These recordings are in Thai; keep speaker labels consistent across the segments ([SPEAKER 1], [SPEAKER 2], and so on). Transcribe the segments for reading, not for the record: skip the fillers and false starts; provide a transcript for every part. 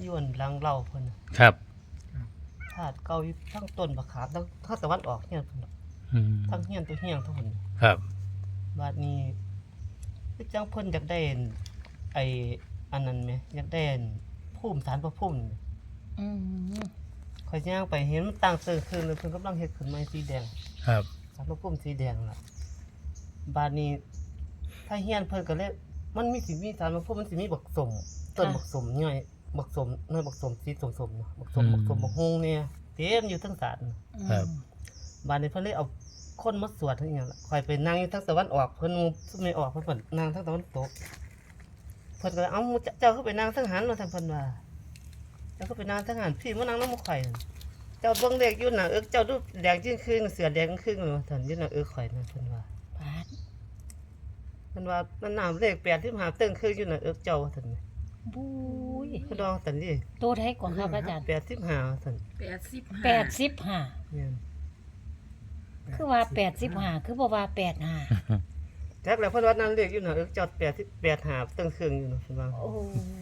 [SPEAKER 1] ย้วนหลังเล่าเพิ่นน่ะ
[SPEAKER 2] ครับ
[SPEAKER 1] ธาตุเก่าอยู่ทั้งต้นบักขามทั้งตะวันออกเฮียนเพิ่นน่ะ
[SPEAKER 2] อืม
[SPEAKER 1] ทั้งเฮียนตัวเฮียงทั้งพุ่น
[SPEAKER 2] ครับ
[SPEAKER 1] บัดนี้คือจังเพิ่นอยากได้ไอ้อันนั้นแหมอยากได้ภูมิศาลพระภูมินี่
[SPEAKER 3] อืม
[SPEAKER 1] ข่อยย่างไปเห็นมันตั้งเติงขึ้นเลยเพิ่นกำลังเฮ็ดขึ้นใหม่สีแดง
[SPEAKER 2] ครับ
[SPEAKER 1] ศาลพระภูมิสีแดงล่ะบัดนี้ถ้าเฮียนเพิ่นก็เลยมันมีศาลพระภูมิมันสิมีบักสมต้นบักสมย่อยบักสมน้อยบักสมสีส้มๆเนาะบักสมบักฮงเนี่ยเต็มอยู่ทั้งศาล
[SPEAKER 2] ครับ
[SPEAKER 1] บัดนี้เพิ่นเลยเอาคนมาสวดทั้งอหย่างล่ะข่อยไปนั่งอยู่ทางตะวันออกเพิ่นซุ่มไม่ออกเพิ่นนั่งทางตะวันตกเพิ่นก็เลยเอ้าเจ้าคือไปนั่งทางหันว่าทางเพิ่นว่าเจ้าคือไปนั่งทางหันพี่มานั่งนำข่อยนั่นเจ้าเบิ่งเลขอยู่น่ะเจ้าดูแดงจึงครึ่งเสือแดงครึ่งว่าซั่นอยู่น่ะข่อยนั่นเพิ่นว่า
[SPEAKER 3] ปาด
[SPEAKER 1] เพิ่นว่ามันน้ำเลข85ตึ้งครึ่งอยู่น่ะเจ้าว่าซั่น
[SPEAKER 3] บุ้ย
[SPEAKER 1] เพิ่นดองซั่นดิ
[SPEAKER 3] โตไทยกว่าครับอาจารย์
[SPEAKER 1] 85ว่าซั่น
[SPEAKER 3] 85
[SPEAKER 1] แม่น
[SPEAKER 3] คือว่า85คือบ่ว่า85
[SPEAKER 1] จักแล้วเพิ่นว่านั่นเลขอยู่น่ะเจ้า85ตึ้งครึ่งอยู่น่ะเพิ่นว่า
[SPEAKER 3] โอ้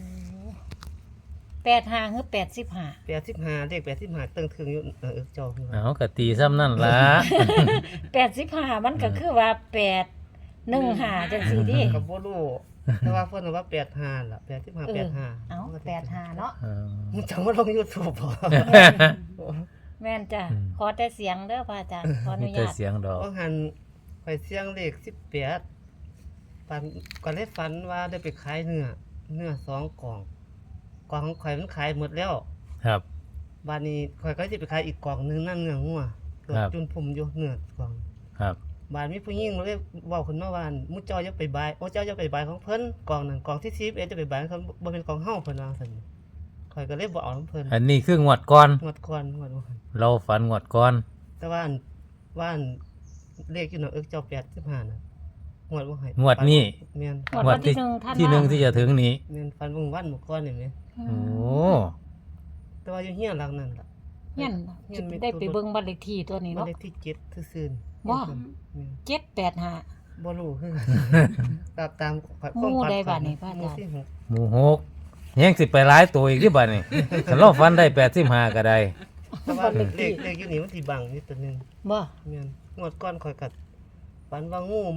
[SPEAKER 3] 85คือ85
[SPEAKER 1] 85เลข85ตึ้งครึ่งอยู่เจ้าเพิ่นว่า
[SPEAKER 2] เอาก็ตีซ้ำนั่นล่ะ
[SPEAKER 3] 85มันก็คือว่า815จังซี่ดิ
[SPEAKER 1] ก็บ่รู้แต่ว่าเพิ่นว่า85ล่ะ85 85
[SPEAKER 3] เอ้า85เนาะ
[SPEAKER 2] เออ
[SPEAKER 1] มึงจังว่าลง YouTube บ่
[SPEAKER 3] แม่นจ้ะ
[SPEAKER 2] อืม
[SPEAKER 3] ขอแต่เสียงเด้อพระอาจารย์ขออนุ
[SPEAKER 2] แต่
[SPEAKER 3] ญาต
[SPEAKER 2] เสียงดอก
[SPEAKER 1] ว่าหันข่อยเสียงเลข18ฝันก็เลยฝันว่าได้ไปขายเนื้อ2กล่องกล่องของข่อยมันขายหมดแล้ว
[SPEAKER 2] ครับ
[SPEAKER 1] บัดนี้ข่อยก็สิไปขายอีกกล่องนึงนั่นเนื้องัวเกิด
[SPEAKER 2] ครับ
[SPEAKER 1] จนผมอยู่เนื้อกล่อง
[SPEAKER 2] ครับ
[SPEAKER 1] บาดมีผู้หญิงมาเลยเว้าขึ้นมาว่ามุเจ้าอย่าไปบายโอ้เจ้าอย่าไปบายของเพิ่นกล่องนั้นกล่องที่11จะไปบายเขาบ่เป็นกล่องเฮาเพิ่นว่าซั่นข่อยก็เลยบ่เอานํเพิ่น
[SPEAKER 2] อันนี้คืองวดก่อน
[SPEAKER 1] งวดก่อนงวดว่า
[SPEAKER 2] เราฝันงวดก่อน
[SPEAKER 1] แต่ว่าเลขอยู่เนาะเจ้า85น่ะงวดบ่ให้
[SPEAKER 2] งวดนี้
[SPEAKER 1] แม่น
[SPEAKER 3] งวดวันที่หนึ่งท่าน
[SPEAKER 2] ที่หนึ่งที่จะถึงนี้
[SPEAKER 1] แม่นฝันเบิ่งวันเมื่อก่อนนี่แหม
[SPEAKER 2] โอ้
[SPEAKER 1] แต่ว่าอยู่เฮียนหลังนั้นล่ะ
[SPEAKER 3] เฮียนจะได้ไปเบิ่งบ้านเลขที่ตัวนี้
[SPEAKER 1] บ้าน
[SPEAKER 3] เนาะ
[SPEAKER 1] เลขที่7ซื่อๆ
[SPEAKER 3] บ่
[SPEAKER 1] แม่น
[SPEAKER 3] 785
[SPEAKER 1] บ่รู้คือตาม
[SPEAKER 3] หมู่ใดบัดนี้พระอาจารย์
[SPEAKER 1] หมู่ที่หก
[SPEAKER 2] หมู่หกยังสิไปหลายตัวอีกที่บัดนี้ถ้าเราฝันได้85ก็ได้
[SPEAKER 1] แต่ว่าเลขอยู่นี่มันสิบังนิดตัวหนึง
[SPEAKER 3] บ่
[SPEAKER 1] แม่นงวดก่อนข่อยกัดฝันว่างู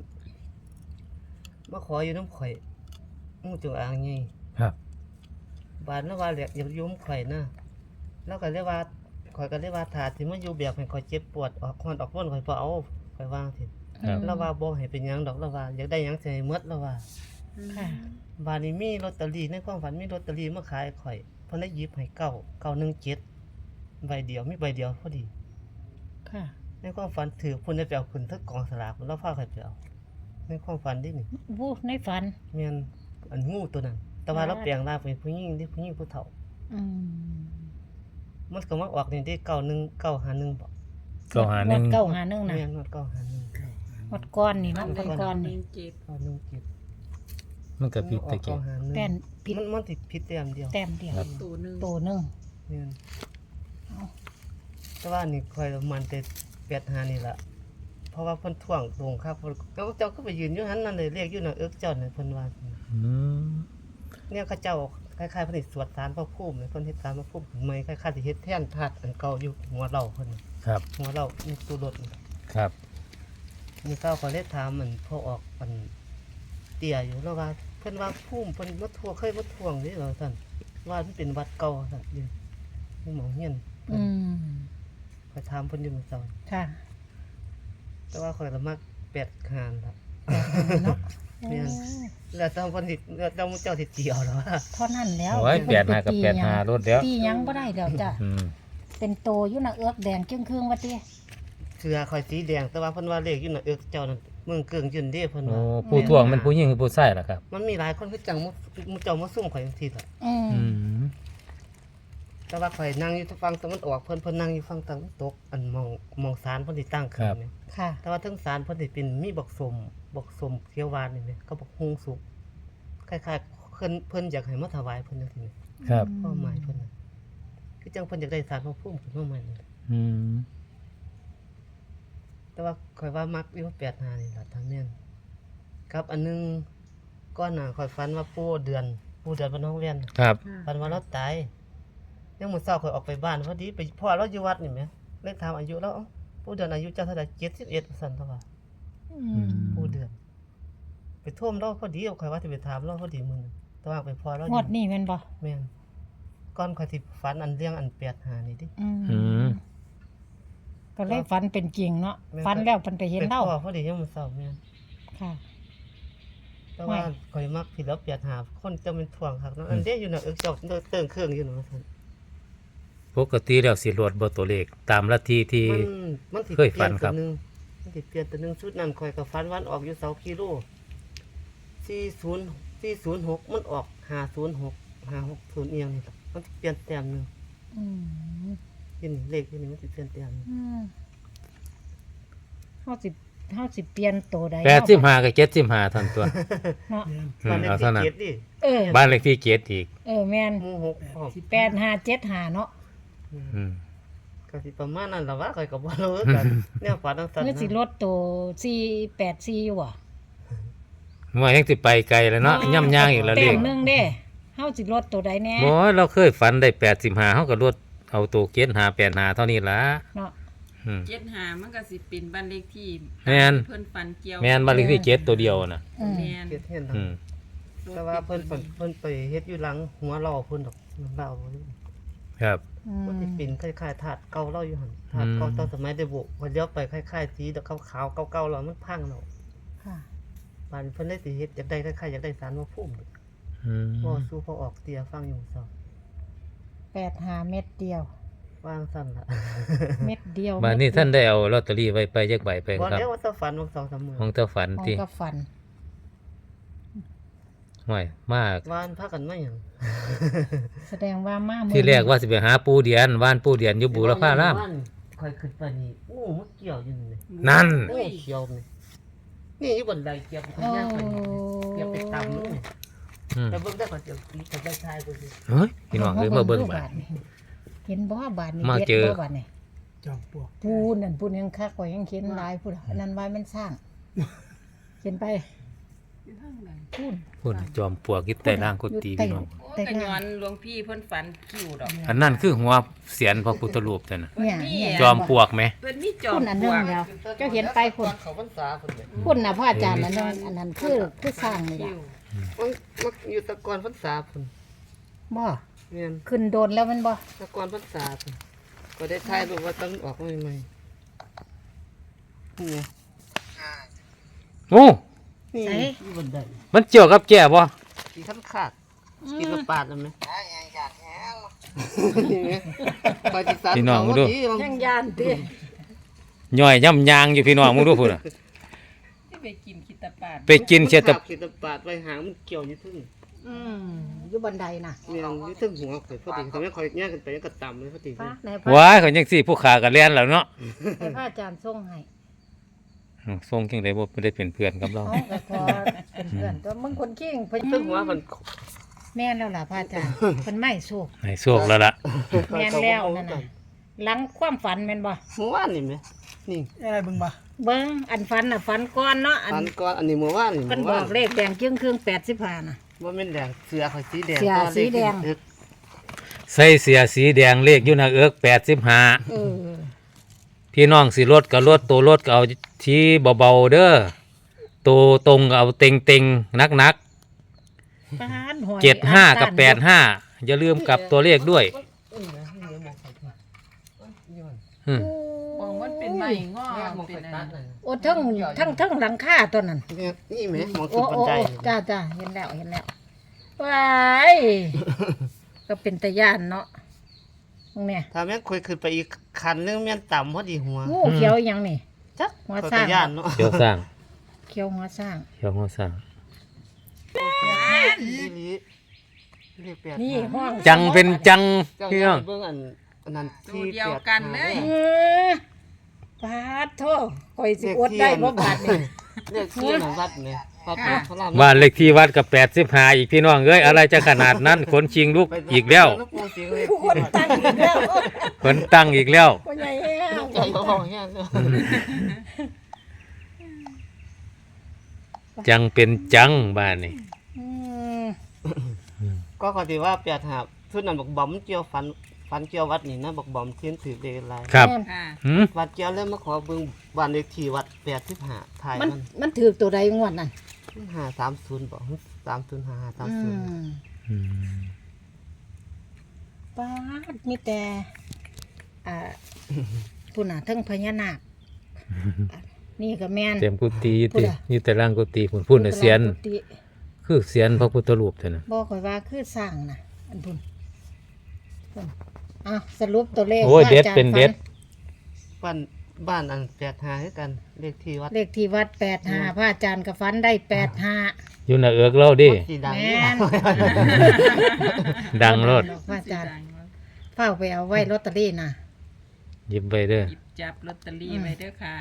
[SPEAKER 1] มาขออยู่น้ำข่อยงูจงอางใหญ่
[SPEAKER 2] ครับ
[SPEAKER 1] บาดแล้วว่าอยากอยู่น้ำข่อยนะแล้วก็เลยว่าข่อยก็เลยว่าถ้าสิมาอยู่แบบให้ข่อยเจ็บปวดออกคอนออกบ่นข่อยบ่เอาข่อยวางสิ
[SPEAKER 2] ครับ
[SPEAKER 1] แล้วว่าบ่ให้เป็นหยังดอกแล้วว่าอยากได้หยังสิให้หมดแล้วว่า
[SPEAKER 3] ค่ะ
[SPEAKER 1] บาดนี้มีลอตเตอรี่ในความฝันมีลอตเตอรี่มาขายข่อยเพิ่นได้หยิบให้917ใบเดียวมีใบเดียวพอดี
[SPEAKER 3] ค่ะ
[SPEAKER 1] ในความฝันถือเพิ่นได้ไปเอาขึ้นทั้งกองสลากแล้วพาข่อยไปเอาในความฝันดินี่
[SPEAKER 3] วู้ในฝัน
[SPEAKER 1] แม่นอันงูตัวนั้น แต่ว่าเราแปลงร่างเป็นผู้หญิงที่ผู้หญิงผู้เฒ่า
[SPEAKER 3] อืม
[SPEAKER 1] มันก็มาออกนี่ได้91951บ่
[SPEAKER 2] ก็หาหนึ่ง
[SPEAKER 3] เก้าหาหนึ่งนะ
[SPEAKER 1] แม่นว่า951
[SPEAKER 3] หมดก้อนนี่เนาะเป็นก้อนนี่
[SPEAKER 1] 917
[SPEAKER 2] มันก็ผิดตะ
[SPEAKER 1] อ
[SPEAKER 2] กี้
[SPEAKER 1] อก951
[SPEAKER 3] แป้นผิด
[SPEAKER 1] มันสิผิดแต้มเดียว
[SPEAKER 3] แต้มเดียว
[SPEAKER 2] ครับ
[SPEAKER 3] ตัวหนึ่ง
[SPEAKER 1] แม่น
[SPEAKER 3] เอา
[SPEAKER 1] แต่ว่านี่ค่อยมันแต่85นี่ล่ะเพราะว่าเพิ่นท่วงลงครับเพิ่นเจ้าก็ไปยืนอยู่หันนั่นเลยเรียกอยู่น่ะเจ้าน่ะเพิ่นว่า
[SPEAKER 2] อืม
[SPEAKER 1] เนี่ยเขาเจ้าคล้ายๆเพิ่นสิสวดสารพระภูมิเพิ่นเฮ็ดสารพระภูมิขึ้นใหม่คล้ายๆสิเฮ็ดแทนธาตุอันเก่าอยู่หัวเราเพิ่น
[SPEAKER 2] ครับ
[SPEAKER 1] หัวเรามีตู้รถ
[SPEAKER 2] ครับ
[SPEAKER 1] นี่เขาก็เลยถามมันพอออกมันเตี้ยอยู่แล้วว่าเพิ่นว่าภูมิเพิ่นมาทั่วเคยมาท่วงนี่เหรอท่านว่ามันเป็นวัดเก่าท่านอยู่หมองเฮียน
[SPEAKER 3] อืม
[SPEAKER 1] ไปถามเพิ่นอยู่เมื่อเช้า
[SPEAKER 3] ค่ะ
[SPEAKER 1] แต่ว่าข่อยละมัก8คานล่ะ
[SPEAKER 3] เนาะ
[SPEAKER 1] แม่น แล้วต้องเพิ่นสิแล้วต้องเจ้าสิเจียวเหรอวะ
[SPEAKER 3] เท่านั้นแล้ว
[SPEAKER 2] โอ้ย85กับ85รถแล้ว
[SPEAKER 3] ตีหยังบ่ได้แล้วจ้ะ
[SPEAKER 2] อืม
[SPEAKER 3] เป็นโตอยู่น่ะเอือกแดงจึงครึ่งว่าติ
[SPEAKER 1] เสือข่อยสีแดงแต่ว่าเพิ่นว่าเลขอยู่น่ะเจ้านั่นเมืองเกิงยืนเด้เพิ่น
[SPEAKER 2] โอ้
[SPEAKER 1] ว่า
[SPEAKER 2] ผู้ทวงเป็นผู้หญิงหรือผู้ชายล่ะครับ
[SPEAKER 1] มันมีหลายคนคือจังมุเจ้ามาซุ่มข่อยจังซี่ล่ะ
[SPEAKER 3] อืม
[SPEAKER 2] อืม
[SPEAKER 1] แต่ว่าข่อยนั่งอยู่ฝั่งตะวันออกเพิ่นนั่งอยู่ฝั่งตะวันตกอันมองศาลเพิ่นสิตั้งขึ้นแม่
[SPEAKER 3] ค่ะ
[SPEAKER 1] แต่ว่าเทั้งศาลเพิ่นสิเป็นมีบักสมเขียวหวานนี่แม่ก็บักฮุงสุกคล้ายๆเพิ่นอยากให้มาถวายเพิ่นจังซี่แม่
[SPEAKER 2] ครับ
[SPEAKER 1] ความหมายเพิ่นน่ะคือจังเพิ่นอยากได้ศาลพระภูมิขึ้นมาใหม่นี่
[SPEAKER 2] อืม
[SPEAKER 1] แต่ว่าข่อยว่ามักอยู่85นี่ล่ะทางแม่นครับอันหนึงก่อนหน้าข่อยฝันว่าปู่เดือนปู่เดือนบ้านน้องเวียน
[SPEAKER 2] ครับ
[SPEAKER 1] ฝันว่าเราตายยังมื้อเช้าข่อยออกไปบ้านพอดีไปพ่อเราอยู่วัดนี่แหมเลยถามอายุเราเอ้าปู่เดือนอายุเจ้าเท่าใด71ว่าซั่นเท่าว่า ปู่เดือนไปท่วมเราพอดีเอาข่อยว่าสิไปถามเราพอดีมื้อนึงแต่ว่าไปพ่อเราอง
[SPEAKER 3] ว
[SPEAKER 1] ยู่
[SPEAKER 3] ดนี้แม่นบ่
[SPEAKER 1] แม่นก่อนข่อยสิฝันอันเรื่องอัน85นี่ดิ
[SPEAKER 2] อืม
[SPEAKER 3] ก็เลยฝันเป็นจริงเนาะ
[SPEAKER 1] แม่น
[SPEAKER 3] ฝันแล้วเพิ่นไปเห็น
[SPEAKER 1] ไป
[SPEAKER 3] เล่า
[SPEAKER 1] พ่อพอดียังมื้อเช้าแม่น
[SPEAKER 3] ค่ะ
[SPEAKER 1] แต่ว่าข่อยมักผิดแล้ว85คนจะเป็นถ่วงคักเนาะอันเด้อยู่น่ะเจ้าเติ้งเครื่องอยู่น่ะว่าซั่น
[SPEAKER 2] ปกติแล้วสิรวดบ่ตัวเลขตามลัทธิที่
[SPEAKER 1] มันสิ
[SPEAKER 2] เคยฝันครับ
[SPEAKER 1] เปลี่ยตัวหนึงมันสิเปลี่ยนตัวหนึงชุดนั้นข่อยก็ฝันวันออกอยู่เสากิโล406มันออก506เอียงนี่ล่ะมันสิเปลี่ยนแต้มหนึง
[SPEAKER 3] อืม
[SPEAKER 1] ยินเลขที่นี่มันสิเปลี่ยนแต้มหนึ่ง
[SPEAKER 3] เฮาสิเปลี่ยนตัวใด
[SPEAKER 2] 85กับ75เท่านั้นตัว
[SPEAKER 3] เนาะ
[SPEAKER 1] บ้านเลข
[SPEAKER 2] เอา
[SPEAKER 1] ที่
[SPEAKER 2] เท่านั้น
[SPEAKER 1] เจ็ดดิ
[SPEAKER 3] เออ
[SPEAKER 2] บ้านเลขที่7อีก
[SPEAKER 3] แม่น
[SPEAKER 1] หมู่หกออก
[SPEAKER 3] 8575เนาะ
[SPEAKER 2] อืม
[SPEAKER 1] ก็สิประมาณนั้นล่ะวะข่อยก็บ่รู้กันแนวฝันจังซั่น
[SPEAKER 3] เมื่อสิล
[SPEAKER 1] นะ
[SPEAKER 3] ดตัว484อยู่บ่
[SPEAKER 2] ว่ายังสิไปไกลแล้วเนาะย่ำย่างอีกแล้ว
[SPEAKER 3] แต้
[SPEAKER 2] เลข
[SPEAKER 3] มหนึงเด้เฮาสิลดตัวใดแน่
[SPEAKER 2] บ่เราเคยฝันได้85เฮาก็ลดเอาตัวเกณฑ์85เท่านี้ล่ะ
[SPEAKER 3] เนาะ
[SPEAKER 2] อืม
[SPEAKER 4] 75มันก็สิเป็นบ้านเลขที่
[SPEAKER 2] แม่น
[SPEAKER 4] เพิ่นฝันเกี่ยว
[SPEAKER 2] แม่นบ้านเลขที่7ตัวเดียวน่ะ
[SPEAKER 3] อืม
[SPEAKER 4] แม่น
[SPEAKER 1] เฮ็ดเห็น
[SPEAKER 2] อืม
[SPEAKER 1] แต่ว่าเพิ่นไปเฮ็ดอยู่หลังหัวเราเพิ่นดอกเรา
[SPEAKER 2] ครับ
[SPEAKER 1] มันสิเป็นคล้ายๆถาดเก่าเราอยู่หั่นถาดเก่าตอนสมัยได้โบกพอเลี้ยวไปคล้ายๆสีดอกขาวๆเก่าๆแล้วมันพังแล้ว
[SPEAKER 3] ค่ะ
[SPEAKER 1] บ้านเพิ่นเลยสิเฮ็ดอยากได้คล้ายๆอยากได้ศาลพระภูมิ
[SPEAKER 2] อืม
[SPEAKER 1] บ่สู้พอออกเตียฟังอยู่ซอ
[SPEAKER 3] 85เม็ดเดียว
[SPEAKER 1] วางซั่นล่ะ
[SPEAKER 3] เม็ดเดียว
[SPEAKER 2] บ้านนี้ท่านได้เอาลอตเตอรี่ไว้ไปจักใบไป
[SPEAKER 1] บ่
[SPEAKER 2] ครับ
[SPEAKER 1] แล้วว่าจะฝันว่า2-3มื้อ
[SPEAKER 2] ของเจ้าฝัน
[SPEAKER 3] ของ
[SPEAKER 2] ที่
[SPEAKER 3] ก็ฝัน
[SPEAKER 2] ห่วยมาก
[SPEAKER 1] วานพากันมาหยัง
[SPEAKER 3] แสดงว่ามามื้อ
[SPEAKER 2] ที่แรกว่าสิไปหาปูเดียนว่านปูเดียนอยู่บูรพาราม
[SPEAKER 1] ค่อยขึ้นไปนี่โอ้มันเกี่ยวอยู่นี่
[SPEAKER 2] นั่น
[SPEAKER 1] โอ้เขียวนี่นี่อยู่บนไดเกี่ยวไปทางย่างไปนี่เกี่ยวไปตำนี่
[SPEAKER 2] อืม
[SPEAKER 1] แต่เบิ่งได้ก่อนเดี๋ยวมีแต่ได้ชายบ่สิ
[SPEAKER 2] เฮ้ยพี่น้องเอ้ยมาเบิ่งบาด
[SPEAKER 3] เห็นบ่บาดนี่
[SPEAKER 2] มา
[SPEAKER 3] เด็ด
[SPEAKER 2] เจอ
[SPEAKER 3] บ่บาดนี่
[SPEAKER 1] จอมปลวก
[SPEAKER 3] ปูนั่นปูยังคักกว่ายังเขียนหลายพูดอันนั้นไว้มันสร้างเขียนไป
[SPEAKER 4] อยู่ทางหลัง
[SPEAKER 3] พูด
[SPEAKER 2] พุ่นจอมปลวกอยู่ใต้ล่างกุฏิพี่น้อง
[SPEAKER 4] โอ้แต่ย้อนหลวงพี่เพิ่นฝันคิวดอก
[SPEAKER 2] อันนั้นคือหัวเสียนพระพุทธรูปแต่น่ะ
[SPEAKER 3] เนี่ยเนี่ย
[SPEAKER 2] จอมปลวกไหม
[SPEAKER 4] เพิ่นมีจอ
[SPEAKER 3] พู
[SPEAKER 4] ม
[SPEAKER 3] ดอัน
[SPEAKER 4] ป
[SPEAKER 3] นึ
[SPEAKER 4] ล
[SPEAKER 3] ง
[SPEAKER 4] วก
[SPEAKER 3] แล้วเจ้าเห็นไปพูด
[SPEAKER 1] เขาพรรษาพุ่นเลย
[SPEAKER 3] พูดน่ะพ่ออาจารย์อันนั้นอันนั้นคือสร้างนี่
[SPEAKER 4] คิ
[SPEAKER 3] ล่ะ
[SPEAKER 4] ว
[SPEAKER 1] มันอยู่ตะกอนพรรษาพุ่น
[SPEAKER 3] บ่
[SPEAKER 1] แม่น
[SPEAKER 3] ขึ้นโดนแล้วมันบ่
[SPEAKER 1] ตะกอนพรรษาพุ่นก็ได้ถ่ายรูปว่าต้องออกใหม่ๆนี่ไง
[SPEAKER 2] โอ้
[SPEAKER 1] นี่อยู่บนได
[SPEAKER 2] มันเกี่ยวกับแก่บ่
[SPEAKER 1] กินขั้นขาดกินกระปาดแล้วไหมนี่ไงไปที่ศาล
[SPEAKER 2] พี่น้องมาดู
[SPEAKER 3] ยังยานติ
[SPEAKER 2] ย่อยย่ำยางอยู่พี่น้องมึงดูพุ่นน่ะ
[SPEAKER 4] ที่ไปกินคิตาปาด
[SPEAKER 2] ไปกินเชต
[SPEAKER 1] ขีดปาดไว้หางมันเกี่ยวอยู่ทึ่ง
[SPEAKER 3] อยู่บันไดน่ะ
[SPEAKER 1] เมียงอยู่ทึ่งหัวข่อยพอดีทำให้ข่อยแย่งกันไปยังกระต่ำเลยพอดี
[SPEAKER 3] ฟ้าในพระ
[SPEAKER 2] ว้ายเขาจังซี่ผู้ขาก็แล่นแล้วเนาะ
[SPEAKER 3] ในพระอาจารย์ส่งให้
[SPEAKER 2] ส่งจังได๋บ่ได้เป็นเพื่อนกับเรา
[SPEAKER 3] เอาก็พอเป็นเพื่อนตัวมึงคนเก่งเพิ่น
[SPEAKER 1] ทึ่งหัวมัน
[SPEAKER 3] แม่นแล้วล่ะพระอาจารย์เพิ่นไม่สู้
[SPEAKER 2] ให้โชคแล้วล่ะ
[SPEAKER 3] แม่นแล้วนั่นน่ะหลังความฝันแม่นบ่
[SPEAKER 1] เมื่อวานนี่ไหมนี่
[SPEAKER 5] อะไรเบิ่งบ่
[SPEAKER 3] เบิ่งอันฝันน่ะฝันก่อนเนาะอัน
[SPEAKER 1] อันก่อนอันนี้เมื่อวานนี่
[SPEAKER 3] เพิ่นบอกเลขแดงจึงครึ่ง85น่ะ
[SPEAKER 1] ว่าเป็นแดงเสือข่อยสีแดง
[SPEAKER 3] เสือสีแดง
[SPEAKER 2] ใส่เสียสีแดงเลขอยู่หน้าเอิก85
[SPEAKER 3] เออ
[SPEAKER 2] พี่น้องสิลดก็ลดตัวลดก็เอาที่เบาๆเด้อตัวตรงก็เอาเต็งๆนัก
[SPEAKER 3] ปานหอย
[SPEAKER 2] ๆ75กับ85อย่าลืมกลับตัวเลขด้วยอืม
[SPEAKER 4] มองมันเป็นไม้งอ
[SPEAKER 1] มอง
[SPEAKER 4] เป็
[SPEAKER 1] ไป
[SPEAKER 4] น
[SPEAKER 1] ตั
[SPEAKER 4] อั
[SPEAKER 1] ด
[SPEAKER 4] น
[SPEAKER 1] เลย
[SPEAKER 3] โอ้ทั้งหลังคาตัวนั้น
[SPEAKER 1] นี่ไหมมอง
[SPEAKER 3] โอ้
[SPEAKER 1] ขึ้นบัน
[SPEAKER 3] โอ้
[SPEAKER 1] ได
[SPEAKER 3] จ้าเห็นแล้วว้ายก็เป็นตะย่านเนาะตรงเนี่ย
[SPEAKER 1] ถ้าแม่งคุยขึ้นไปอีกคันนึงแม่นต่ำพอดีหัว
[SPEAKER 3] งูเขียวอีหยังนี่
[SPEAKER 1] จัก
[SPEAKER 3] หัว
[SPEAKER 1] ข่อย
[SPEAKER 3] สร้าง
[SPEAKER 1] ก็ย่านเนาะ
[SPEAKER 2] เขียวสร้าง
[SPEAKER 3] เขียวหัวสร้าง
[SPEAKER 2] เขียวหัวสร้าง
[SPEAKER 1] อีหลีเรียกแปด
[SPEAKER 3] นี่ห้อง
[SPEAKER 2] จังเป็นจัง
[SPEAKER 1] เจ้า
[SPEAKER 2] พี่
[SPEAKER 1] ย่า
[SPEAKER 2] น้อง
[SPEAKER 1] เบิ่งอันนั้น
[SPEAKER 4] ตัว
[SPEAKER 1] ที่
[SPEAKER 4] เดียวกันเลย
[SPEAKER 3] เออปาดโทข่อยสิอดได้บ่บาดนี่
[SPEAKER 1] เรียกที่หนังวัดเนี่ยวัดพระราม
[SPEAKER 2] บ้านเลขที่วัดกับ85อีกพี่น้องเอ้ยอะไรจะขนาดนั้นขนชิงลูกอีกแล้ว
[SPEAKER 3] คนตั้งอีกแล้ว
[SPEAKER 2] ขนตั้งอีกแล้ว
[SPEAKER 3] พ่อใหญ่แห้ง
[SPEAKER 1] ใจเขาห้องแห้งเลย
[SPEAKER 2] จังเป็นจังบ้านนี่
[SPEAKER 3] อืม
[SPEAKER 1] ก็ก็ที่ว่า8 5ชุดนั้นบักบอมเกี่ยวฟันเกี่ยววัดนี่นะบักบอมเทียนถือเลขหลาย
[SPEAKER 2] ครับ
[SPEAKER 3] แม่น
[SPEAKER 4] ค่ะ
[SPEAKER 2] หืม
[SPEAKER 1] วัดเกี่ยวแล้วมาขอเบิ่งบ้านเลขที่วัด85ถ่าย
[SPEAKER 3] มัน
[SPEAKER 1] มัน
[SPEAKER 3] มันถือตัวใดงวดนั่น
[SPEAKER 1] 530บ่3055
[SPEAKER 3] อื
[SPEAKER 1] 30
[SPEAKER 3] ม
[SPEAKER 2] อืม
[SPEAKER 3] ป้าดมีแต่อ่าผู้น่ะเทั้งพญานาคอ่ะนี่ก็แม่น
[SPEAKER 2] เต็มกุฏิ
[SPEAKER 3] พูด
[SPEAKER 2] ติ
[SPEAKER 3] อะ
[SPEAKER 2] อยู่แต่ล่างกุฏิพุ่นน่ะเสียน
[SPEAKER 3] กุฏิ
[SPEAKER 2] คือเสียนพระพุทธรูปเท่านั้น
[SPEAKER 3] บอกข่อยว่าคือสร้างน่ะอันพุ่นอ่ะสรุปตัวเลข
[SPEAKER 2] โอ้ย
[SPEAKER 3] ว่า
[SPEAKER 2] เด็ด
[SPEAKER 3] อาจารย์
[SPEAKER 2] เป็นเด็ด
[SPEAKER 1] บ้านอัน85คือกันเลขที่วัด
[SPEAKER 3] เลขที่วัด85พระอาจารย์กับฟันได้85
[SPEAKER 2] อยู่หน้าเอิกเราดิ
[SPEAKER 1] สีดัง
[SPEAKER 3] แม่
[SPEAKER 1] นี่
[SPEAKER 3] น
[SPEAKER 2] ดังรถ
[SPEAKER 3] พระอาจารย์เฝ้าไปเอาไว้ลอตเตอรี่น่ะ
[SPEAKER 2] หยิบไปเด้อ
[SPEAKER 4] หยิบจับลอตเตอรี่ไว้เด้อค่ะ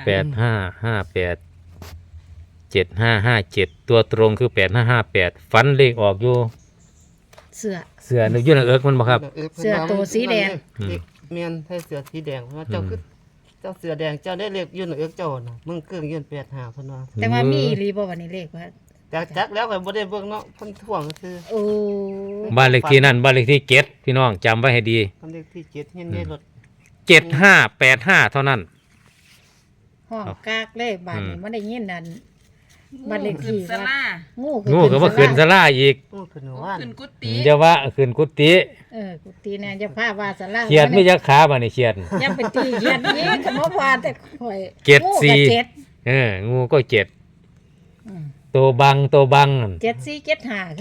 [SPEAKER 2] 85587557ตัวตรงคือ8558ฟันเลขออกอยู่
[SPEAKER 3] เสื้อ
[SPEAKER 2] เสือนึกอยู่หน้าเอิกมันบ่ครับ
[SPEAKER 3] เสื้อตัวสีแดง
[SPEAKER 1] เมียนใส่เสื้อสีแดงเพราะว่าเจ้าคือเจ้าเสื้อแดงเจ้าได้เลขยืนเอื้อเจ้าน่ะมึงเกิงยืน85เพิ่นว่า
[SPEAKER 3] แต่ว่ามีอีหลีบ่วันนี้เลขว่า
[SPEAKER 1] จักแล้วก็บ่ได้เบิ่งเนาะเพิ่นท่วงคือ
[SPEAKER 3] โอ้
[SPEAKER 2] บ้านเลขที่นั่นบ้านเลขที่7พี่น้องจำไว้ให้ดี
[SPEAKER 1] เพิ่นเลขที่7เห็นในรถ
[SPEAKER 2] 7585เท่านั้น
[SPEAKER 3] ห้องกากเลยบ้านนี้มันได้ยินนั่นบ้านเลขที่
[SPEAKER 4] สลา
[SPEAKER 3] งู
[SPEAKER 2] งูก็ว่าขึ้นสลาอีก
[SPEAKER 1] โอ้เพิ่นว่า
[SPEAKER 4] ขึ้นกุฏิ
[SPEAKER 2] อย่าว่าขึ้นกุฏิ
[SPEAKER 3] กุฏิแน่จะพาว่าสลา
[SPEAKER 2] เขียดไม่ยักขาบ่นี่เขียด
[SPEAKER 3] ยังเป็นตีเขียดนี้ก็บ่ว่าแต่ข่อย
[SPEAKER 2] เจ็ด
[SPEAKER 3] งู
[SPEAKER 2] สี่
[SPEAKER 3] ก็เจ็ด
[SPEAKER 2] งูก็7
[SPEAKER 3] อืม
[SPEAKER 2] ตัวบังนั่น
[SPEAKER 3] เจ็ดสี่เจ็ดห้า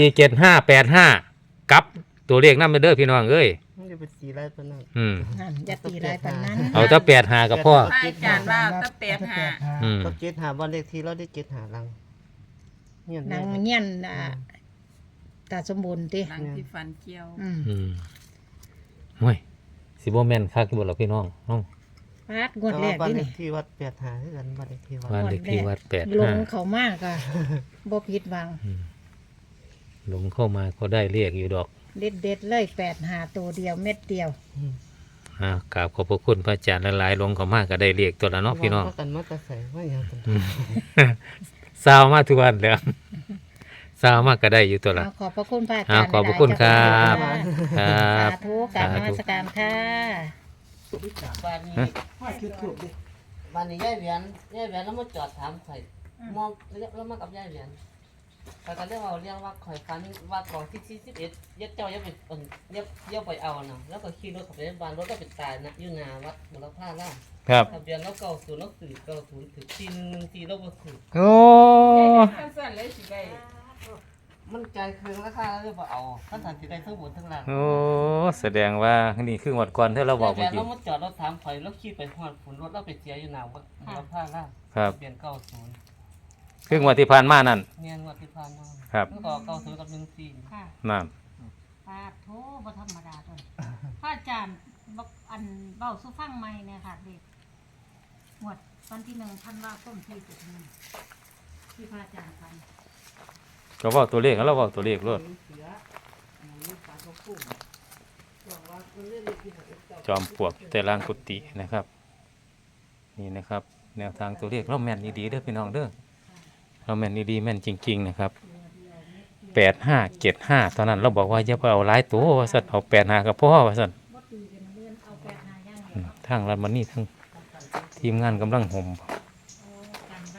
[SPEAKER 2] 747585กับตัวเลขนำเด้อพี่น้องเอ้ย
[SPEAKER 1] มันจะเป็นสีอะไรปานนั้น
[SPEAKER 3] นั่นอย่าตีหลายปานนั้น
[SPEAKER 2] เอาถ้า85กับพ่อ
[SPEAKER 4] พระอาจารย์ว่าตะแปดหา
[SPEAKER 2] อืม
[SPEAKER 1] ก็75บ้านเลขที่เราได้75หลังเนี่ย
[SPEAKER 3] นางเงี้ยนตาสมบูรณ์ติ
[SPEAKER 4] หลังที่ฟันเกี่ยว
[SPEAKER 3] อืม
[SPEAKER 2] ห่วยสิบ่แม่นคักอยู่บ่ล่ะพี่น้องน้อง
[SPEAKER 3] ปาดงวดแรก
[SPEAKER 1] บ้าน
[SPEAKER 3] นี่
[SPEAKER 1] เล
[SPEAKER 3] นี่
[SPEAKER 1] ขที่วัด85คือกันบ้านเลขที่วัด
[SPEAKER 2] บ้านเลขที่วัด
[SPEAKER 3] ลงเขามากอ่ะบ่ผิดหวัง
[SPEAKER 2] 85หลงเข้ามาก็ได้เรียกอยู่ดอก
[SPEAKER 3] เด็ดๆเลย85ตัวเดียวเม็ดเดียว
[SPEAKER 2] กราบขอบพระคุณพระอาจารย์หลายๆหลงเข้ามาก็ได้เรียกตัวละเนาะพี่น้อง
[SPEAKER 1] ว่ากันมาแต่ใส่ว่าหยังกัน
[SPEAKER 2] สาวมาทุกวันแล้วสาวมาก็ได้อยู่ตัวละ
[SPEAKER 3] ขอบพระคุณพระอาจารย์
[SPEAKER 2] ขอบพระคุณครับ ค
[SPEAKER 3] สา
[SPEAKER 2] รับ
[SPEAKER 3] ธุกราบนมัสการค่ะ
[SPEAKER 1] บ้านนี้บ้านนี้ยายแหวนแล้วมาจอดถามข่อยมองแล้วมากับยายแหวนข่อยก็ได้เว้าเรื่องว่าข่อยฝันว่าก่อนที่41ยัดเจ้าอย่าไปอย่าไปเอาน่ะแล้วก็ขี่รถเข้าไปในบ้านรถก็ไปตายนะอยู่หน้าวัดบุรพาล่า
[SPEAKER 2] ครับ
[SPEAKER 1] ทะเบียนเรา90เราสื่อ90ถึง4114เราบ่ถือ
[SPEAKER 2] โอ้
[SPEAKER 4] สั้นๆเลยสิได้
[SPEAKER 1] มันใจคืนราคาเลยบ่เอาท่านสันติได้ทั้งบนทั้งล่าง
[SPEAKER 2] โอ้แสดงว่านี่คือหมดก่อนที่เราบอก
[SPEAKER 1] แบ
[SPEAKER 2] เมื่อบ กี้
[SPEAKER 1] เรามาจอดเราถามข่อยเราขี่ไปฮอดฝนรถเราไปเสียอยู่หน้าวัดบุรพาล่า
[SPEAKER 2] ครับ
[SPEAKER 1] ทะเบียน90
[SPEAKER 2] คืองวดที่ผ่านมานั่น
[SPEAKER 1] เมียนวัดที่ผ่านมา
[SPEAKER 2] ครับ
[SPEAKER 1] มันก็90กับ14
[SPEAKER 3] ค่ะ
[SPEAKER 2] นั่น
[SPEAKER 3] ปาโทบ่ธรรมดาตัวพระอาจารย์บอกอันเบ้าสู้ฟังใหม่เนี่ยค่ะเด็กหมวดวันที่1ธันวาคมที่จะถึงที่พระอาจารย์ฟัน
[SPEAKER 2] ก็บอกตัวเลขแล้วเราบอกตัวเลขรถจอมปลวกแต่ล่างกุฏินะครับ นี่นะครับ แนวทางตัวเลขเราแม่นดีๆเด้อพี่น้องเด้อเราแม่นดีๆแม่นจริงๆนะครับ8575ตอนนั้นเราบอกว่าอย่าไปเอาหลายตัวว่าซั่นเอา85กับพ่อว่าซั่น
[SPEAKER 3] บ่ตีกันเลื่อนเอา8 5ย่าง
[SPEAKER 2] ทางรัฐมันนี่ทั้งทีมงานกำลังห่ม
[SPEAKER 3] กันไว้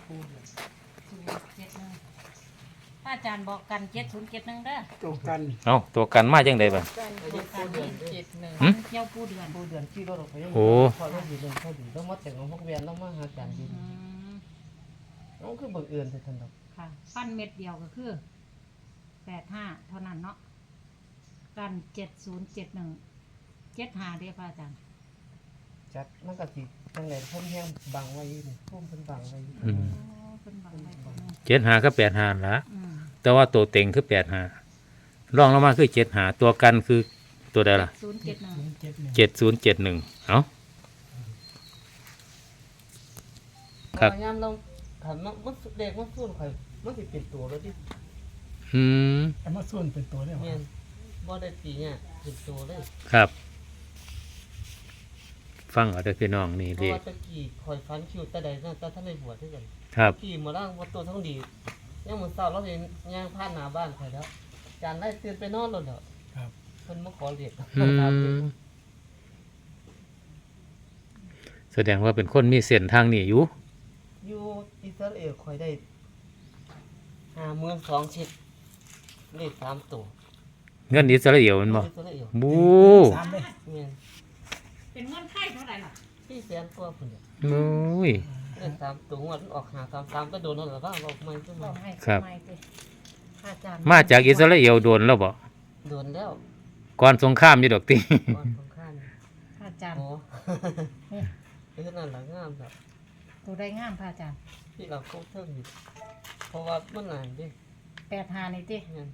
[SPEAKER 3] 707 พระอาจารย์บอกกัน7071เด้อ
[SPEAKER 5] ตรงกัน
[SPEAKER 2] เอาตัวกันมาจังไดบัด
[SPEAKER 3] กันบอกกัน
[SPEAKER 2] หึ
[SPEAKER 3] เที่ยวผู้เดือน
[SPEAKER 1] ผู้เดือนขี่รถออกไป
[SPEAKER 2] โอ้
[SPEAKER 1] พอเราอยู่เดินเข้าดีแล้วมาแต่งของพวกเวียนแล้วมาหาจานดิน
[SPEAKER 3] ม
[SPEAKER 1] น้องคือบังเอิญแต่ทันดอก
[SPEAKER 3] ค่ะปั้นเม็ดเดียวก็คือ85เท่านั้นเนาะกัน7071 75เด้อพระอาจารย์
[SPEAKER 1] จัดมันก็สิจังได๋เพิ่นแฮงบังไว้อยู่นี่พุ่มเพิ่นบังไว้อยู่
[SPEAKER 2] อืม
[SPEAKER 3] เป็นบางใบตรงนี้
[SPEAKER 2] 75กับ85ละ
[SPEAKER 3] อืม
[SPEAKER 2] แต่ว่าตัวเต็งคือ85รองลงมาคือ75ตัวกันคือตัวใดล่ะ
[SPEAKER 3] 071
[SPEAKER 2] 7071เอ้า ครับ
[SPEAKER 1] พยายามลองถามมันเด็กมันสู้ข่อยมันสิเป็นตัวแล้วดิ
[SPEAKER 2] อืม
[SPEAKER 5] แต่มาส่วนเป็นตัวได้หรอ
[SPEAKER 1] แม่นบ่ได้ปีเนี่ยเป็นตัวเลย
[SPEAKER 2] ครับ ฟังเอาเด้อพี่น้องนี่
[SPEAKER 1] เพ
[SPEAKER 2] ดี
[SPEAKER 1] ราะว่าตะกี้ข่อยฟันคิวแต่ใดนั่นแต่ท่านได้บวชด้วยกัน
[SPEAKER 2] ครับ
[SPEAKER 1] ขี่มาล่างบ่ตัวทั้งดียังมื้อเช้าเราเห็นย่างผ่านหน้าบ้านข่อยแล้วจานได้ตื่นไปนอนแล้วเด้อ
[SPEAKER 5] ครับ
[SPEAKER 1] เพิ่นมาขอเรียก
[SPEAKER 2] อืมแสดงว่าเป็นคนมีเส้นทางนี้อยู่
[SPEAKER 1] อยู่อิสราเอลคอยได้52,000เช็ดเลข3ตัว
[SPEAKER 2] เงินอิสราเอลแมันบ่
[SPEAKER 1] อิสราเอล
[SPEAKER 2] บู
[SPEAKER 5] สามเลย
[SPEAKER 1] แม่น
[SPEAKER 3] เป็นเงินไทยเท่าไหร่ล่ะ
[SPEAKER 1] ที่แสนกว่าพุ่นน่ะ
[SPEAKER 2] โอ้ย
[SPEAKER 1] เลข3ตัวงวดมันออก533ก็โดนแล้วล่ะว่าออกใหม่ซุ
[SPEAKER 3] บ
[SPEAKER 1] มื้
[SPEAKER 3] อ
[SPEAKER 1] อก
[SPEAKER 3] ให้
[SPEAKER 2] ครับ
[SPEAKER 3] ไม่ติพระอาจารย์
[SPEAKER 2] มาจากอิสราเอลโดนแล้วบ่
[SPEAKER 1] โดนแล้ว
[SPEAKER 2] ก่อนสงครามอยู่ดอกติ
[SPEAKER 1] ก่อนสงคราม
[SPEAKER 3] พระอาจารย์
[SPEAKER 1] โอ้
[SPEAKER 3] นี่
[SPEAKER 1] เอ้นั่นล่ะงามแบบ
[SPEAKER 3] ตัวได้งามพระอาจารย์
[SPEAKER 1] ที่เราเข้าเทิงอยู่เพราะว่ามันนานเด้
[SPEAKER 3] 85นี่ติ
[SPEAKER 1] แม่น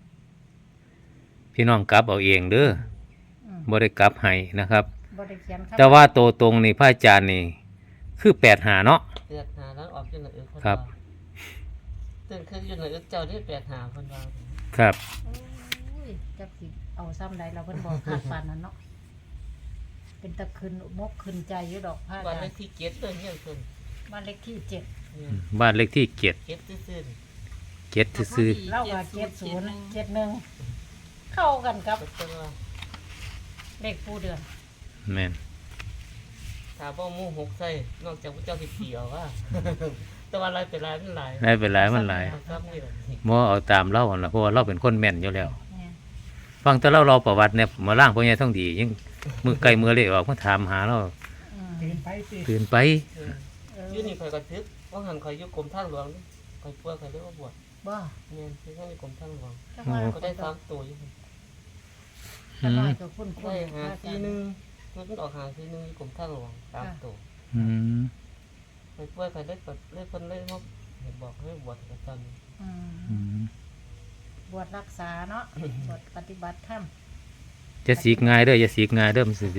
[SPEAKER 2] พี่น้องกลับเอาเองเด้อ
[SPEAKER 3] อืม
[SPEAKER 2] บ่ได้กลับให้นะครับ
[SPEAKER 3] บ่ได้เขียนครับ
[SPEAKER 2] แต่ว่าโตวตรงนี่พระอาจารย์นี่คือ85เนาะ
[SPEAKER 1] เดือดหาแล้วออกจังได๋เพิ่น
[SPEAKER 2] ครับ
[SPEAKER 1] ว่าตื่นขึ้นอยู่ในอึเจ้านี่85เพิ่นว่า
[SPEAKER 2] ครับ
[SPEAKER 3] โอ้ยจักสิเอาซ้ำใดเราเพิ่นบอกขาดปานนั้นเนาะเป็นตะคืนมกขึ้นใจอยู่ดอกพระอา
[SPEAKER 1] วัน
[SPEAKER 3] จาร
[SPEAKER 1] เล
[SPEAKER 3] ย์
[SPEAKER 1] ขที่7เด้อเฮียนเพิ่น
[SPEAKER 3] บ้านเลขที่7
[SPEAKER 1] เนี่ย
[SPEAKER 2] บ้านเลขที่7
[SPEAKER 1] เก็บซื่อ
[SPEAKER 2] 7ซื่อ
[SPEAKER 3] เล่ากับ70 71เข้ากันครั
[SPEAKER 1] ๆ
[SPEAKER 3] บ
[SPEAKER 1] ก็เพิ่นว่า
[SPEAKER 3] เลขผู้เดือน
[SPEAKER 2] ๆแม่น
[SPEAKER 1] ถ้าบ่หมู่6ใส่นอกจากพระเจ้าสิเกี่ยวว่า แต่ว่าหลายเป็นหลายมันหลาย
[SPEAKER 2] ได้เป็นหลายมันหลาย
[SPEAKER 1] ครับนี่แหละ
[SPEAKER 2] บ่เอาตามเล่าหั่นล่ะเพราะว่าเราเป็นคนแม่นอยู่แล้ว
[SPEAKER 3] เนี่ย
[SPEAKER 2] ฟังแต่เราประวัติเนี่ยมาล่างพ่อใหญ่ท่องดียังมือไกลมือเละออกมาถามหาเรา
[SPEAKER 3] อืม
[SPEAKER 5] ตื่นไปสิ
[SPEAKER 2] ตื่นไป
[SPEAKER 1] เอออยู่นี่ข่อยก็ทึกว่าหันข่อยอยู่กรมทางหลวงนี่ข่อยป่วยข่อยเลยว่าบวช
[SPEAKER 3] บ่
[SPEAKER 1] แม่นคือข้างในกรมทางหลวง
[SPEAKER 3] จังว่า
[SPEAKER 1] ก็ได้3ตัวอยู่
[SPEAKER 3] จังว่าก็คุ้น
[SPEAKER 1] ได้
[SPEAKER 3] ๆพระอาจารย์
[SPEAKER 1] 541มันออก541อยู่กรมทางหลวง3ตัว
[SPEAKER 2] อืม
[SPEAKER 1] ข่อยป่วยข่อยเลยก็เลยเพิ่นเลยมาเห็นบอกให้บวชกับตอนนี้
[SPEAKER 3] อืม
[SPEAKER 2] อืม
[SPEAKER 3] บวชรักษาเนาะ บวชปฏิบัติธรรม
[SPEAKER 2] จะสีกง่ายเด้ออย่าสีกง่ายเด้อมันสิ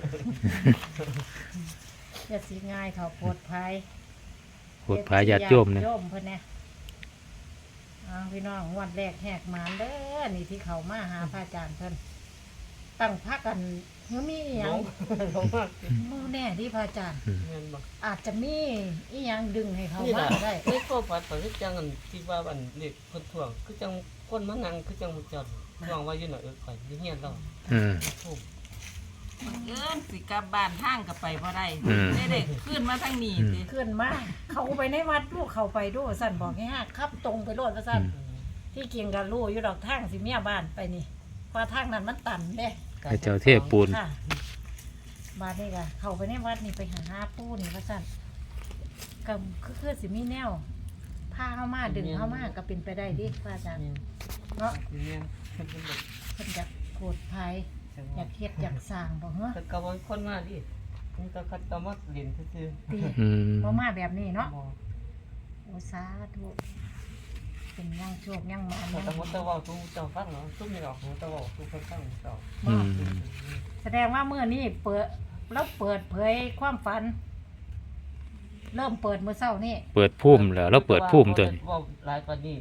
[SPEAKER 3] อย่าสิง่ายเขาโปรดภัย
[SPEAKER 2] โปรดพาญาติโยมเนี่ย
[SPEAKER 3] โยมเพิ่นเนี่ยพี่น้องงวดแรกแหกหมานเด้อนี่ที่เขามาหาพระอาจารย์เพิ่นตั้งพักกันเฮ้ยมีอีหยัง
[SPEAKER 1] ลงมาก
[SPEAKER 3] บ่แน่ที่พระอาจารย์
[SPEAKER 1] แม่นบ่
[SPEAKER 3] อาจจะมีอีหยังดึงให้เขา
[SPEAKER 1] นี่
[SPEAKER 3] มา
[SPEAKER 1] ล่ะ
[SPEAKER 3] ได้
[SPEAKER 1] ในข้อฝันข่อยคือจังอันที่ว่าอันเล็กเพิ่นท่วงคือจังคนมานั่งคือจังมุจจอนท่วงว่าอยู่น่ะข่อยอยู่เฮียนเรา
[SPEAKER 2] อืม
[SPEAKER 1] ทุ่ม
[SPEAKER 4] เอิ้นสิกลับบ้านทางก็ไปบ่ได้
[SPEAKER 2] อืม
[SPEAKER 4] ได้เด็กขึ้นมาทางนี้สิ
[SPEAKER 3] ขึ้นมาเขาไปในวัดลูกเขาไปดูสั่นบอกให้ฮักขับตรงไปโลดว่าสั่นที่เกียงกันรู้อยู่ดอกทางสิเมียบ้านไปนี่เพราะทางนั้นมันตันเด้
[SPEAKER 2] พระเจ้าเทพปูน
[SPEAKER 3] ค่ะบาดนี่ก็เขาไปในวัดนี่ไปหาปูนี่ว่าสั่นก็คือสิมีแนวพาเข้ามาดึงเข้ามาก็เป็นไปได้ดิพระอาจารย์
[SPEAKER 1] แม่น
[SPEAKER 3] เนาะ
[SPEAKER 1] แม่นเพิ่นเป็นแบบ
[SPEAKER 3] เพิ่นอยากโกรธภัย
[SPEAKER 1] จัง
[SPEAKER 3] อยา
[SPEAKER 1] ว่าก
[SPEAKER 3] เฮ็ดอยากสร้างบ่เหรอ
[SPEAKER 1] แต่ก็บ่มีคนมาดินี่ก็คัดก็มาเล่นซื่อ
[SPEAKER 3] ตี
[SPEAKER 2] อืม
[SPEAKER 3] บ่มาแบบนี้
[SPEAKER 1] ๆ
[SPEAKER 3] เนาะ
[SPEAKER 1] บ่
[SPEAKER 3] โอ้สาธุเป็นยังโชคยังมา
[SPEAKER 1] แต่
[SPEAKER 3] ยัง
[SPEAKER 1] ตะมดตะเว้าสู่เจ้าฟังเนาะซุ่มนี่ออกหูตะเว้าสู่เพิ่นฟังเจ้า
[SPEAKER 2] อืม
[SPEAKER 3] แสดงว่ามื้อนี้เปิดแล้วเปิดเผยความฝัน เริ่มเปิดมื้อเช้านี่
[SPEAKER 2] เปิดพุ่มแล้วเราเปิดพุ่มตัวนี้
[SPEAKER 1] เว้าหลายกว่านี้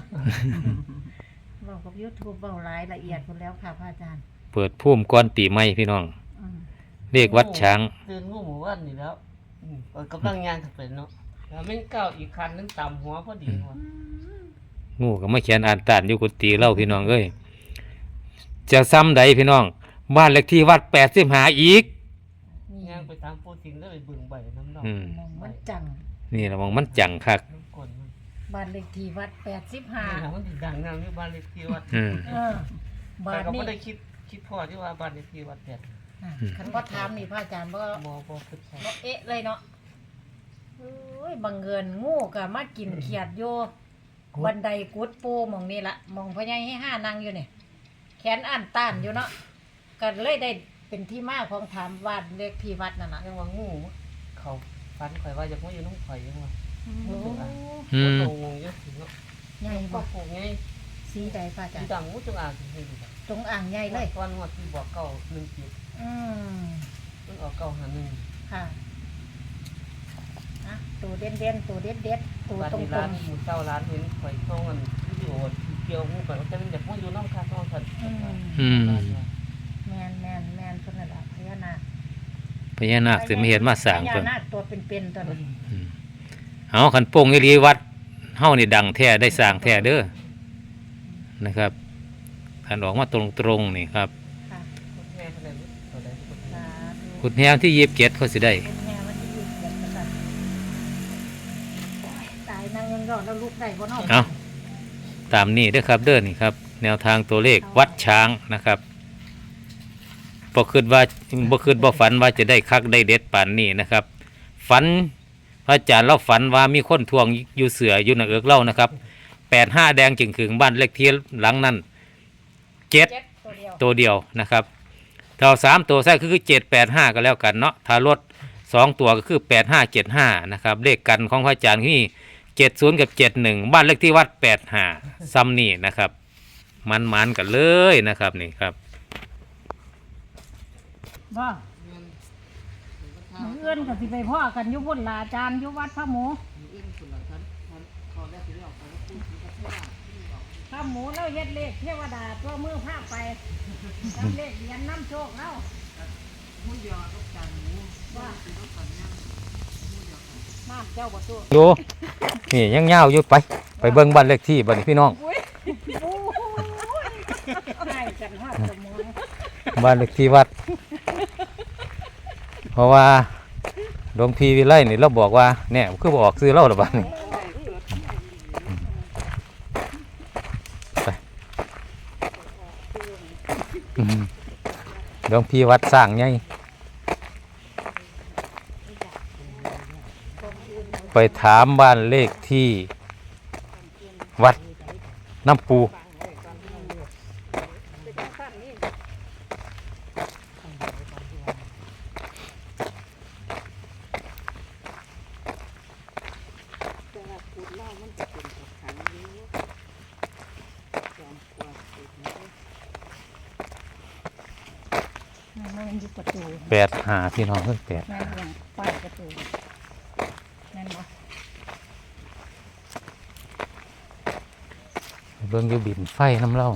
[SPEAKER 3] เรากับ YouTube เว้ารายละเอียดหมดแล้วค่ะพระอาจารย์
[SPEAKER 2] เปิดพุ่มก้อนตีไม้พี่น้อง
[SPEAKER 3] อืม
[SPEAKER 2] เรียกวัดช้าง
[SPEAKER 1] ตื่นงูหมู่บ้านนี่แล้วกำลังย่างถึงเป็นเนาะแล้วแม่งก้าวอีกคันนึงต่ำหัวพอดีหัว
[SPEAKER 2] งูก็มาเขียนอ่านตานอยู่กุฏิเล่าพี่น้องเอ้ยจะซ้ำใดพี่น้อง บ้านเลขที่วัด85อีก
[SPEAKER 3] นี่
[SPEAKER 1] ย่างไปตามปูติงแล้วไปบึงใบน้ำดอก
[SPEAKER 2] อืม
[SPEAKER 3] มองมันจัง
[SPEAKER 2] นี่ละมองมันจังคัก
[SPEAKER 1] น้ำกลนมัน
[SPEAKER 3] บ้านเลขที่วัด
[SPEAKER 1] นี่
[SPEAKER 3] 85
[SPEAKER 1] นะมันสิดังนำที่บ้านเลขที่วัด
[SPEAKER 2] อืม
[SPEAKER 3] เออ
[SPEAKER 1] แต่
[SPEAKER 3] บ้าน
[SPEAKER 1] ก็
[SPEAKER 3] นี้
[SPEAKER 1] ไม่ได้คิดพอที่ว่าบ้านเลขที่วัดเนี่ย
[SPEAKER 3] คันบ่ถามนี่พระอาจารย์บ่
[SPEAKER 1] มอบ่คิดพอ
[SPEAKER 3] บ่เอ๊ะเลยเนาะโอ้ยบังเอิญงูก็มากินเขียดอยู่บันไดกุดปูหม่องนี่ละหม่องพ่อใหญ่ให้ห้านั่งอยู่นี่แขนอ่านต้านอยู่เนาะก็เลยได้เป็นที่มาของถามวาดเลขที่วัดนั่นน่ะ
[SPEAKER 1] ยังว่างูเขาฟันข่อยว่าจะมาอยู่น้องข่อยยังว่า
[SPEAKER 3] โอ้
[SPEAKER 2] อืม
[SPEAKER 1] โตงงเยอะถึงเนาะ
[SPEAKER 3] ใหญ่
[SPEAKER 1] ก็
[SPEAKER 3] บ่
[SPEAKER 1] โผล่ไง
[SPEAKER 3] สีใดพระอาจาร
[SPEAKER 1] ที่
[SPEAKER 3] ย์
[SPEAKER 1] ดังงูจงอางที่นี่ดีกว่า
[SPEAKER 3] ตรงอ่างใหญ่เลย
[SPEAKER 1] ตอนวัดที่บอกเก่า1 จิต
[SPEAKER 3] อืม
[SPEAKER 1] มันออกเก่าหา1
[SPEAKER 3] ค่ะอะตัวเด่นๆตัวเด็ดๆตัว
[SPEAKER 1] บ้าน
[SPEAKER 3] ตร
[SPEAKER 1] นี้ร้าน
[SPEAKER 3] ง
[SPEAKER 1] หมูเจ้าร้านเห็นข่อยส่งอันวิดีโอเกี่ยวงูกันจะเป็นแบบว่าอยู่น้ำคาท้องสัน
[SPEAKER 3] ๆอืม
[SPEAKER 2] อืม
[SPEAKER 3] แม่นเพิ่นน่ะล่ะพญานาค
[SPEAKER 2] พญานาคสิมาเห็นมาสร้าง
[SPEAKER 3] พ
[SPEAKER 2] เพิ่
[SPEAKER 3] ญาน นาคตัวเป็นๆตัวนั้น
[SPEAKER 2] เอาคันโป่งอีหลีวัดเฮานี่ดังแท้ได้สร้างแท้เด้อนะครับท่านออกมาตรงๆนี่ครับ
[SPEAKER 3] ค่ะ
[SPEAKER 1] แม่เพิ่นได้ตัวใดเพิ่น
[SPEAKER 3] สาธุ
[SPEAKER 2] ขุดแฮวที่27เขาสิได้
[SPEAKER 3] เป็นแม่วันที่27กันค่ะโอ้ยตายนางยังรอดแล้วลูกได้บ่เนาะ
[SPEAKER 2] เอาตามนี้เด้อครับเด้อนี่ครับ แนวทางตัวเลขวัดช้างนะครับบ่คิดว่าบ่ฝันว่าจะได้คักได้เด็ดปานนี้นะครับ ฝันพระอาจารย์เราฝันว่ามีคนทวงอยู่เสืออยู่ในเอิกเล่านะครับ85แดงจึงขึงบ้านเลขที่หลังนั้น7
[SPEAKER 3] ตัวเดียว
[SPEAKER 2] ตัวเดียวนะครับถ้าเอา3ตัวใส่ก็คือ785ก็แล้วกันเนาะถ้ารถ2ตัวก็คือ8575นะครับเลขกันของพระอาจารย์ที่70กับ71บ้านเลขที่วัด85ซ้ำนี่นะครับมันกันเลยนะครับนี่ครับ
[SPEAKER 3] บ่มื้ออื่นก็สิไปพ่อกันอยู่พุ่นล่ะอาจารย์อยู่วัดพระหมูพระหมูแล้วเฮ็ดเลขเทวดาตัวมือพาไปทำเลขเหรียญน้ำโชคแล้วว่าน้ำเจ้าบ่ตัว
[SPEAKER 2] อยู่นี่ยังยาวอยู่ไปเบิ่งบ้านเลขที่บ้านนี้พี่น้อง
[SPEAKER 3] โอ้ยให้กันฮอดสมอง
[SPEAKER 2] บ้านเลขที่วัด เพราะว่าหลวงพี่วิไลนี่เราบอกว่าเนี่ยคือบอกซื้อเหล้าหรือบ้านนี่ไปหลวงพี่วัดสร้างไงไปถามบ้านเลขที่วัดน้ำปู
[SPEAKER 3] มันอยู่ประตู
[SPEAKER 2] 85พี่น้องเพิ่ง8
[SPEAKER 3] แม่นยังป้ายประตูแม่นบ่
[SPEAKER 2] เบิ่งอยู่บินไฟน้ำเล่า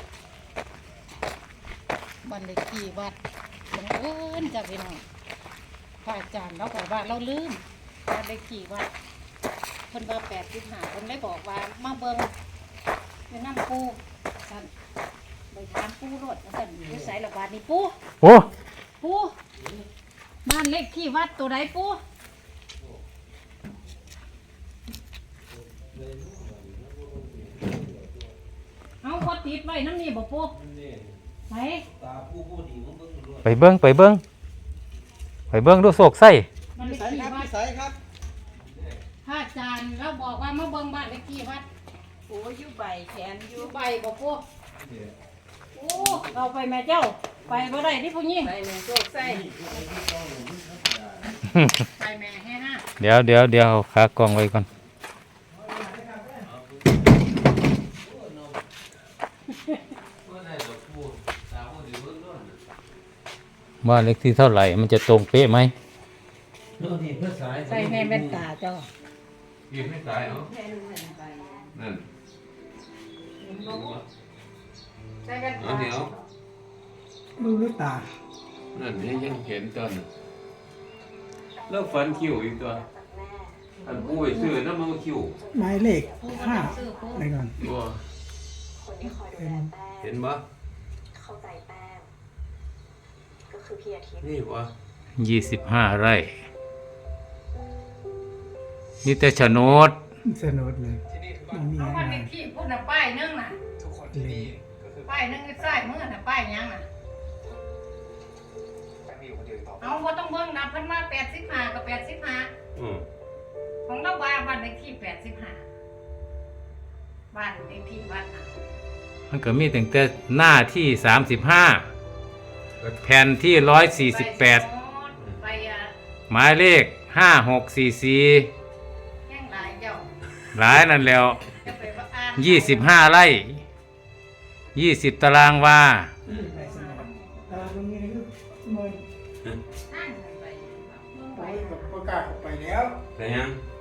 [SPEAKER 3] บันเลขที่วัดบังเอิญจ้ะพี่น้องพระอาจารย์เราบอกว่าเราลืมบันเลขที่วัดเพิ่นว่า85เพิ่นได้บอกว่ามาเบิ่งอยู่นำปูซั่นไปถามปูรถว่าซั่นอยู่ไสละบาดนี่ปู
[SPEAKER 2] โอ้
[SPEAKER 3] ปูบ้านเลขที่วัดตัวใดปูเอาพอติดไว้น้ำนี่บ่ปูไหน
[SPEAKER 2] ไปเบิ่งดูโศกไส้
[SPEAKER 3] บ้านเลขที่วัดพระอาจารย์เราบอกว่ามาเบิ่งบ้านเลขที่วัด
[SPEAKER 4] โอ้ยอยู่ใบแขนอ
[SPEAKER 3] อยู่ ยู่ใบบ่ปูโอ้เราไปแม่เจ้าไปบ่ได้ที่ผู้หญิง
[SPEAKER 4] ใบหนึ่งโชคใส่
[SPEAKER 3] ไปแม่ให้ห้า
[SPEAKER 2] เดี๋ยวขากล้องไว้ก่อนบ้านเลขที่เท่าไหร่มันจะตรงเป๊ะไหม
[SPEAKER 3] ใส่แม่แว่นตาเจ้า
[SPEAKER 5] ยืนไม่ตายเหรอนั่น
[SPEAKER 3] ใส่แว่น
[SPEAKER 5] เอา
[SPEAKER 3] ตา
[SPEAKER 5] เดี๋ยว
[SPEAKER 6] ดูด้วยตา
[SPEAKER 5] นั่นยังเห็นตอนแล้วฟันคิ้วอีกตัวอันผู้ไปซื้อน้ำมันคิ้ว
[SPEAKER 6] หมายเลข
[SPEAKER 3] ปูก็
[SPEAKER 6] ห้า
[SPEAKER 3] ต้องซื้อปู
[SPEAKER 6] อะไรก่อน
[SPEAKER 5] ตัว
[SPEAKER 6] เป็น
[SPEAKER 5] เห็นปะ
[SPEAKER 7] เข้าใจแป้งก็คือพี่อาทิตย์
[SPEAKER 5] นี่วะ
[SPEAKER 2] 25 ไร่นี่แต่โฉนด
[SPEAKER 6] สนุดเลยมันมี
[SPEAKER 3] เอา
[SPEAKER 6] อะ
[SPEAKER 3] วัน
[SPEAKER 6] ไร
[SPEAKER 3] เลขที่พูดน่ะป้ายนึงน่ะ
[SPEAKER 6] เลย
[SPEAKER 3] ป้ายนึงใส่มือน่ะป้ายหยังน่ะเอาบ่ต้องเบิ่งนะเพิ่นมา85กับ85
[SPEAKER 5] อืม
[SPEAKER 3] ของเราว่าบ้านเลขที่85บ้านเลขที่วัดน่ะ
[SPEAKER 2] มันก็มีตั้งแต่หน้าที่ 35 แผ่นที่ 148
[SPEAKER 3] ไป
[SPEAKER 2] หมายเลข 5644
[SPEAKER 3] แย่งหลายเจ้า
[SPEAKER 2] หลายนั่นแล้ว
[SPEAKER 3] จะไปว่าอ่าน
[SPEAKER 2] 25 ไร่ 20 ตารางวา
[SPEAKER 6] ไปสนุดตาตรงนี้คือเมิน
[SPEAKER 3] นั่งไปเบิ่ง
[SPEAKER 6] ไป
[SPEAKER 3] ไป
[SPEAKER 6] กับประกาศออกไปแล้ว
[SPEAKER 5] แต่ยัง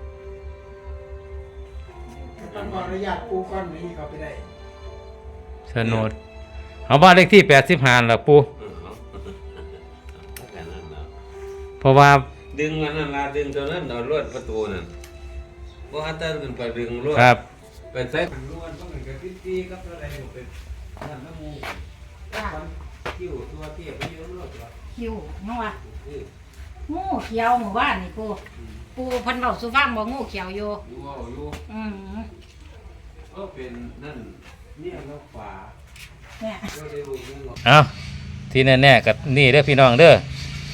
[SPEAKER 6] ต้องขออนุญาตปูก้อนนี้เขาไปได้
[SPEAKER 2] โฉนดเอาบ้านเลขที่ 85ล่ะปู่
[SPEAKER 5] แค่นั้นนะ
[SPEAKER 2] เพราะว่า
[SPEAKER 5] ดึงอันนั้นละดึงตัวนั้นเอาลวดประตูนั่นเพราะฮัตเตอร์กันไปดึงลวด
[SPEAKER 2] ครับ
[SPEAKER 5] ไปใส่ลวดเพราะมันก็ตีกับอะไรอยู่ไปนั่นน้ำมู
[SPEAKER 3] จ้า
[SPEAKER 5] ฟันคิ้วตัวเทียบไปเยอะเลยตัว
[SPEAKER 3] คิวเนาะว่า
[SPEAKER 5] เออ
[SPEAKER 3] งูเขียวหมู่บ้านนี่ปูปูเพันเบาสุฟังบ่งูเขียวอยู่
[SPEAKER 5] อยู่เอาอยู่
[SPEAKER 3] อืม
[SPEAKER 5] ก็เป็นนั่นเนี่ยแล้วฝา
[SPEAKER 3] เนี่ย
[SPEAKER 5] ก็ได้รู้เรื่องหรอก
[SPEAKER 2] เอาที่แน่ๆกับนี่เด้อพี่น้องเด้อ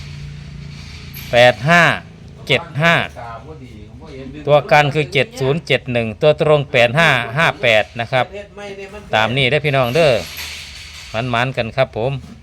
[SPEAKER 2] 8575
[SPEAKER 5] ตาบ่ดีบ่เห็นดึง
[SPEAKER 2] ตัวกันคือ 7071 ตัวตรง 8558 นะครับ
[SPEAKER 5] เฮ็ดไม่ได้มัน
[SPEAKER 2] ตามนี้ได้อพี่น้องเด้อมันๆกันครับผม